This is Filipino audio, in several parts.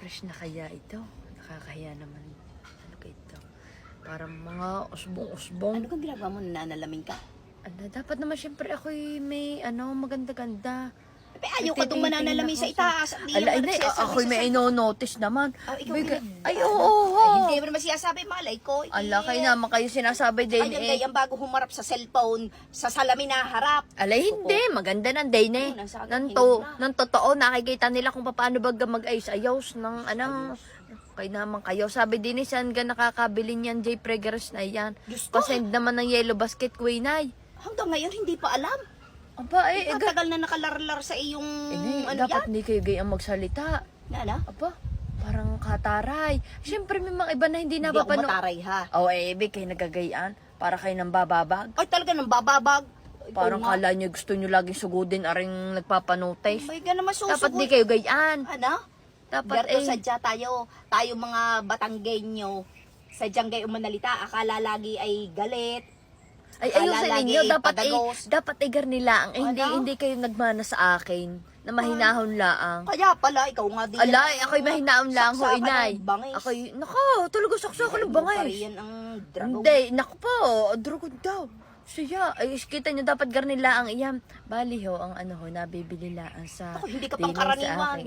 Fresh na kaya ito? Nakakahiya naman. Ano ka ito? Parang mga usbong-usbong. Ano kang ginagawa mo? Nanalamin ka? Ano, dapat naman syempre ako'y may maganda-ganda. Ayaw ka itong mananalamin sa itaas. Ala, hindi. Ako'y may ino-notice naman. Ikaw Ay, oo. Ay, hindi mo naman siyasabi, malay ko. Ala, kayo naman kayo sinasabi din Ayun, day, ang bago humarap sa cellphone, sa salamin na harap. Alay, hindi. Maganda ng day na eh. Nang totoo, nakikita nila kung paano baga mag-ayos-ayos ng anong... Kayo naman kayo. Sabi din eh, saan ka nakakabili niyan, J. Preggers na yan. Pasend naman ng yellow basket, Queenay. Hanggang ngayon, hindi pa alam. Aba, Tagal na nakalarlar sa iyong dapat hindi kayo gayang magsalita. Nana? Aba, parang kataray. Siyempre may mga iba na hindi Hindi ako napapano. mataray ha. Ibig kayo nagagayaan para kayo nang bababag. Ay, talaga nang bababag. Parang kala nyo gusto nyo laging sugudin aring nagpapanotice. May ka naman susugod. Dapat di kayo gayaan. Ano? Dapat Berto, sadya tayo mga Batanggenyo, sadyang gayo manalita, akala lagi ay galit. Ay, ayusin ninyo, dapat igar nila ang hindi kayo nagmana sa akin na mahinahon laang. Kaya pala, ikaw nga din. Alay, ako'y mahinahon lang ho, inay. Bangis. Ako'y, talaga saksakan ng bangis. Yan ang dragon. Hindi, naku po, dragon daw. Siya, ay kita nyo, dapat gar nila ang iyam. Bali ho, ang nabibili laan sa... Ako, hindi ka pang karaniwan.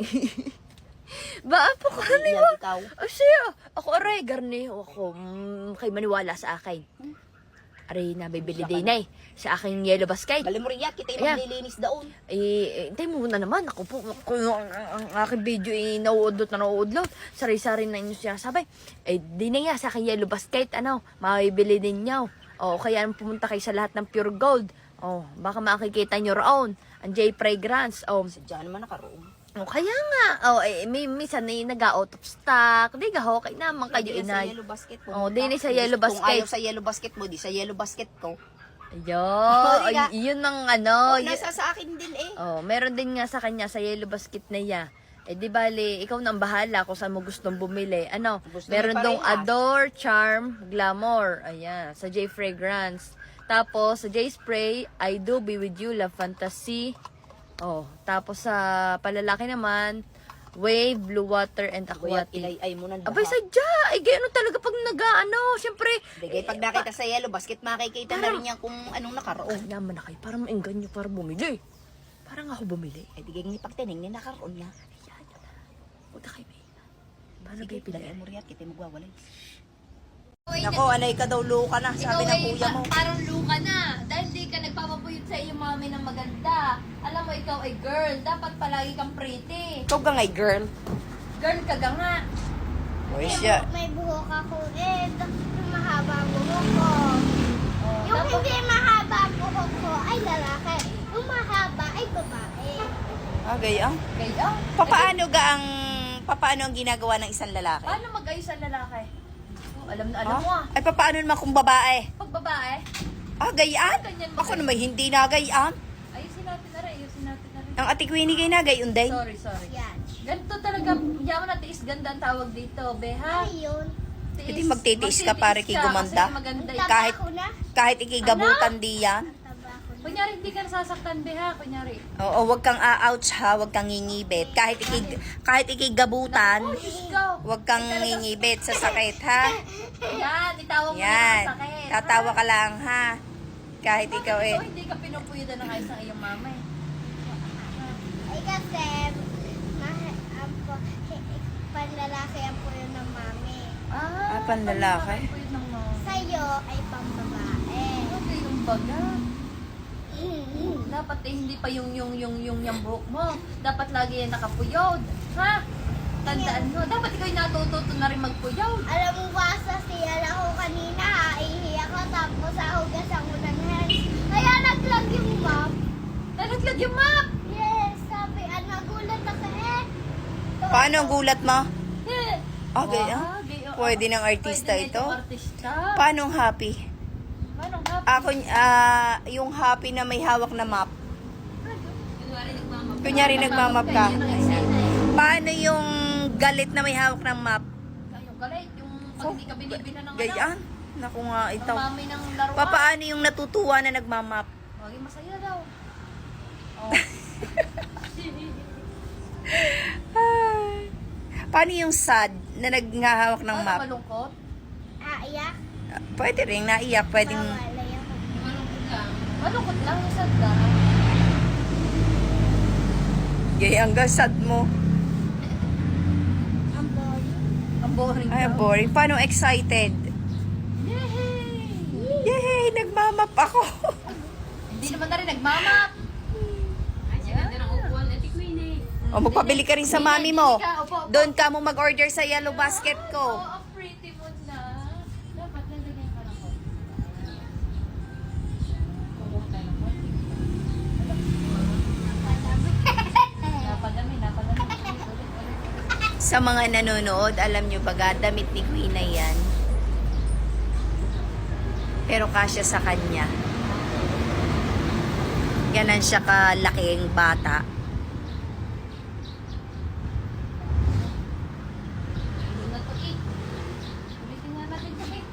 Ba, po karaniwan? Ikaw. Siya, ako aray, garni ho ako. Kay maniwala sa akin. Aray, nabibili din eh. Sa aking yellow basket. Balimuriya, kita yung maglilinis daon. Hintay mo muna naman. Ako po, ang aking video nauudlot. Sari-sari na inyo siya sabay. Di na nga sa aking yellow basket, mabibili din nyo. Kaya pumunta kayo sa lahat ng pure gold. Baka makikita nyo roon. Ang J. Fragrance. Sadya naman nakaroon. Kaya nga. Minsan na nag-out of stock. Di ka ho, kaya naman kayo inay. Sa yellow basket mo. Di na sa yellow basket. Kung ayaw sa yellow basket mo, di sa yellow basket ko. Yun ang nasa sa akin din eh. Meron din nga sa kanya sa yellow basket na ya. Di bali, ikaw nang bahala kung saan mo gustong bumili. Meron dong Adore, Charm, Glamour. Ayan, sa J Fragrance. Tapos, sa J Spray, I Do Be With You, Love Fantasy. Tapos sa palalaki naman, Wave, Blue Water, and Aquatic. Ay mo nang Abay, sadya! Gano'n talaga pag siyempre. Pag nakita sa yellow basket, makikita na rin yan kung anong nakaroon. Naman na kayo, parang mainggan nyo para bumili. Parang ako bumili. Di ganyan ipagtining ni nakaroon niya. Huwag na kayo may paano kayo pili? Dali mo riyan, kita magwawalay. Nako, anay ka daw luka na, sabi ng kuya mo. Parang luka na. Dahil di ka nagpapapuyot sa iyong mami ng maganda. Alam mo, ikaw ay girl. Dapat palagi kang pretty. Ikaw ka ngay, girl. Girl ka ga nga. Uy, siya. May buhok ako yung mahaba ang buhok ko. Yung Dapat- hindi mahaba ang buhok ko ay lalaki. Yung mahaba ay babae. Gayang. Kaya, Paano ang ginagawa ng isang lalaki? paano mag-ayos ang lalaki? Alam na alam mo ah. Ay, paano naman kung babae? Pag babae, Gayaan? ganyan Ako naman hindi na gayaan. ayusin natin na rin. Ang ati Queenie gay na gayon day. Sorry. Yan. Ganito talaga, yaman na tiis ganda ang tawag dito, beha. Ayun. Hindi magtitiis ka para kay gumanda. Kasi maganda Taba yun. Kahit- ko na. Kahit ikigabutan di yan. Taba ko na. Kunyari, hindi ka nasasaktan, beha. Kunyari. Oo, wag kang a-ouch ha, wag kang ngingibit. Kahit ikigabutan, Oh, Diyos ko. wag kang ngingibit sa sakit ha. Yan, itawag mo Yan. yung sakit. Tatawa ka lang ha. Kahit Bakit ikaw eh. hindi ka pinupuyudan ng ayos ng iyong mama eh? Ay kasi, panlalaki ang puyo ng mami. Panlalaki? Pinupuyod ng mama. Sa'yo ay pambabae. Ano yung baga? Dapat hindi pa yung buhok mo. Dapat lagi yan nakapuyod. Ha? Tandaan mo. Dapat ikaw yung natututo na rin magpuyod. Alam mo ba sa siyal ako kanina, ihi ako tapos ahugasan ko ng hands. Kaya naglag yung map. Nalaglag yung map! Yes, sabi, nagulat ako eh. Paano ang gulat mo? Eh. Gayaan. Pwede ng artista Pwede na ito. itong artista. Paano ang happy? Paano nga? Ako, yung happy na may hawak na map. Kunyari nagmamap ka. Paano yung galit na may hawak ng map? Yung galit, yung pag hindi ka binibina ng Gayaan. Naku nga, ng ito. mami ng laruan. Paano yung natutuwa na nagmamap? Maging masaya daw. Oh. Paano yung sad na naghahawak ng Ano, map? malungkot? Aiyak. Pwede rin, naiyak. Pwedeng... Mawalay ako. Malungkot lang, sad ka. Yay, ang sad mo. Ang boring. Ang boring Ay, daw. boring. Paano excited? Yay! Yay, nagmamap ako. Hindi naman na rin nagmamap. O, magpabili ka rin sa mami mo. Hindi ka, opo, opo. Doon ka mo mag-order sa yellow basket Oo, ko. ang pretty mo na. Dapat nalagyan ka ng konti. Kukuha tayo ng konti. Napadami. Ulit. Sa mga nanonood, alam nyo ba, damit ni Queen na yan. Pero kasya sa kanya. Ganan siya kalaking bata. Hindi na to eh. Ulitin nga natin to eh.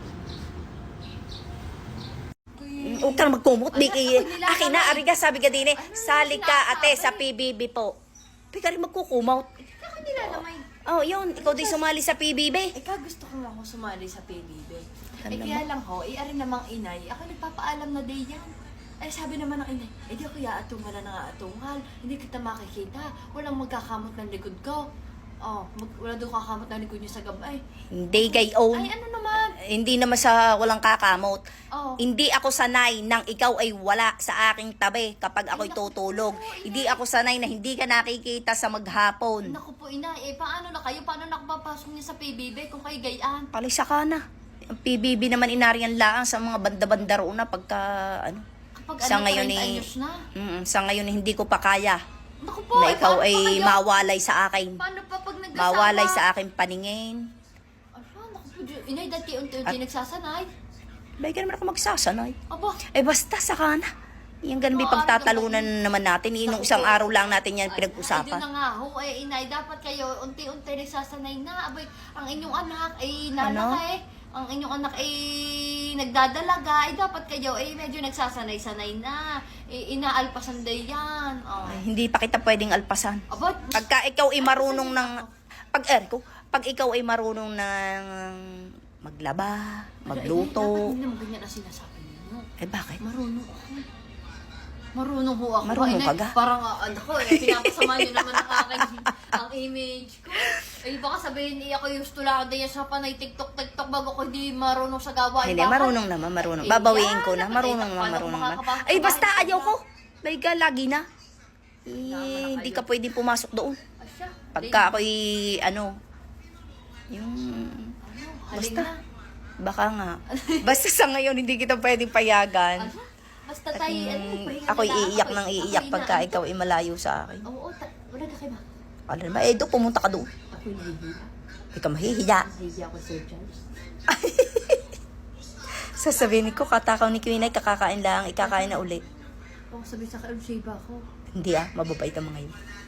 Huwag ka na magkumot, Vicky. Ay, ako Akin na, ariga, sabi ka din eh. Salig ka, ate, sa sinasabi? PBB po. Huwag ka rin magkukumot. Ako nilalamay. Oh, yun. Ikaw din sumali sa PBB. Ikaw gusto ko nga ako sumali sa PBB. Alam Kaya lang ho, ari namang inay, ako nagpapaalam na day yan. Ay sabi naman ng inay, di ako yaatungal na nga hindi kita makikita, walang magkakamot ng likod ko. Oh, wala doon kakamot ng likod niyo sa gabay. Hindi gayon. Ay ano naman? Hindi naman sa walang kakamot. Oh. Hindi ako sanay nang ikaw ay wala sa aking tabi kapag ako'y tutulog. Hindi ako sanay na hindi ka nakikita sa maghapon. Naku po inay, paano na kayo? Paano nakapapasok niya sa PBB kung kayo gayaan? Palisa ka na. Ang PBB naman inariyan lang sa mga banda-banda roon na pagka ano. Kapag Sa ano, ngayon 30 eh, anyos na. Sa ngayon hindi ko pa kaya Naku po, na ikaw paano pa ay kayo? mawalay sa akin. Paano pa pag nagkasama? Mawalay sa aking paningin. Naku po, inay, dati unti-unti nagsasanay. Bay ka naman ako magsasanay. Aba, Eh basta saka na. Yung ganun may pagtatalunan naman natin. Nung isang araw lang natin yan Ay, doon pinag-usapan. na nga ho, inay, dapat kayo unti-unti nagsasanay na. Abay, ang inyong anak ay nalaki. Ang inyong anak ay nagdadalaga. Dapat kayo ay medyo nagsasanay-sanay na. Inaalpasan day yan. Oh. Ay, hindi pa kita pwedeng alpasan. Aba, Pagka ikaw ay marunong ng... Pag ikaw ay marunong ng maglaba, magluto. Dapat hindi naman ganyan ang sinasabi ninyo. Eh bakit? Marunong ako. Marunong ho ako. Marunong Inay, ka ga? Parang, ako, pinapasama nyo naman ang aking ang image ko. Ay, baka sabihin, ako yung tulad din sa panay TikTok bago ko hindi marunong sa gawain. Hindi, marunong naman, marunong. Babawiin ko na, marunong naman. Ay, basta ayaw ko. Like, lagi na. Eh, hindi ka pwedeng pumasok doon. Asya. Pagka ako'y, yung... Basta. Basta. Baka nga. Basta sa ngayon, hindi kita pwedeng payagan. Basta tayo, Ako'y iiyak ng iiyak pagka ikaw ay malayo sa akin. Oo, wala ka kayo ba? Alam mo, Edo, pumunta ka doon. Ako'y nahihiya. Hindi ka mahihiya. Nahihiya ko, Sir Charles. Sasabihin ko, katakaw ni Queen ay kakakain lang, ikakain na uli. Baka sabihin sa kayo, Sheba ako. Hindi mababait ang mga yun.